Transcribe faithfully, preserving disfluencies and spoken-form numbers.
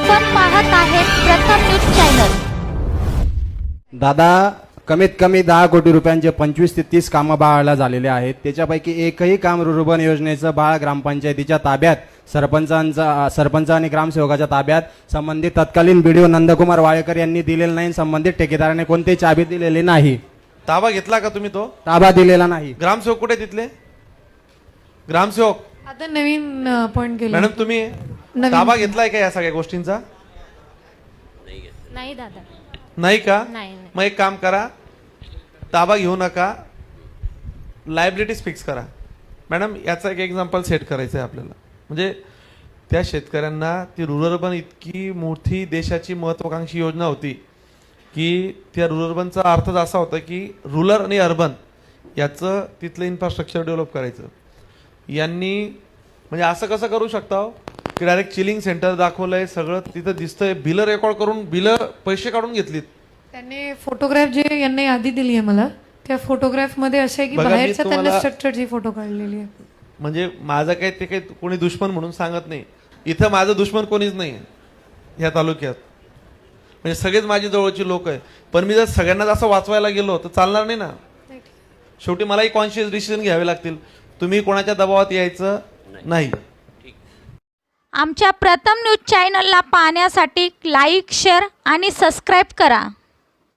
आपण पाहत आहेत प्रथम न्यूज चॅनल। दादा कमीत कमी दहा कोटी रुपयांचे पंचवीस ते तीस कामं बाळाला झालेले आहेत। त्याच्यापैकी एकही काम रुर्बन योजनेचं बाळ ग्रामपंचायतीच्या ताब्यात सरपंचांचा सरपंच आणि ग्रामसेवकाच्या ताब्यात संबंधित तत्कालीन बीडीओ नंदकुमार वाळेकर यांनी दिलेले नाही। संबंधित ठेकेदाराने कोणतेही चाबी दिलेली नाही। ताबा घेतला का तुम्ही? तो ताबा दिलेला नाही। ग्रामसेवक कुठे तिथले? ग्रामसेवक आता नवीन अपॉइंट केलं मॅडम, तुम्ही ताबा घेतलाय का या सगळ्या गोष्टींचा? नाही दादा, नाही का? नाही। मग एक काम करा, ताबा घेऊ नका, लायबिलिटीज फिक्स करा। मॅडम, याचा एक एक्झाम्पल सेट करायचं आहे आपल्याला। म्हणजे त्या शेतकऱ्यांना ती रुरल अर्बन इतकी मोठी देशाची महत्वाकांक्षी योजना होती की त्या रुरल अर्बनचा अर्थच असा होता की रुरल आणि अर्बन याचं तिथलं इन्फ्रास्ट्रक्चर डेव्हलप करायचं। यांनी म्हणजे असं कसं करू शकता की डायरेक्ट चिलिंग सेंटर दाखवलंय, सगळं तिथं दिसतंय, बिलं रेकॉर्ड करून बिलं पैसे काढून घेतलीत। त्यांनी फोटोग्राफ जे यांनी यादी दिली आहे मला, त्या फोटोग्राफ मध्ये असं आहे की बघा, मी बाहेरच्या त्यांना तुम्हाला- स्ट्रक्चरची फोटो काढलेली आहे। म्हणजे माझं काही ते काही कोणी दुश्मन म्हणून सांगत नाही, इथं माझं दुश्मन कोणीच नाही ह्या तालुक्यात, म्हणजे सगळेच माझी जवळची लोक आहे। पण मी जर सगळ्यांना असं वाचवायला गेलो तर चालणार नाही ना। शेवटी मलाही कॉन्शियस डिसिजन घ्यावे लागतील। तुम्ही कोणाच्या दबावात यायचं नाही। आमच्या प्रथम न्यूज चॅनलला पाहण्यासाठी लाईक, शेअर आणि सबस्क्राईब करा।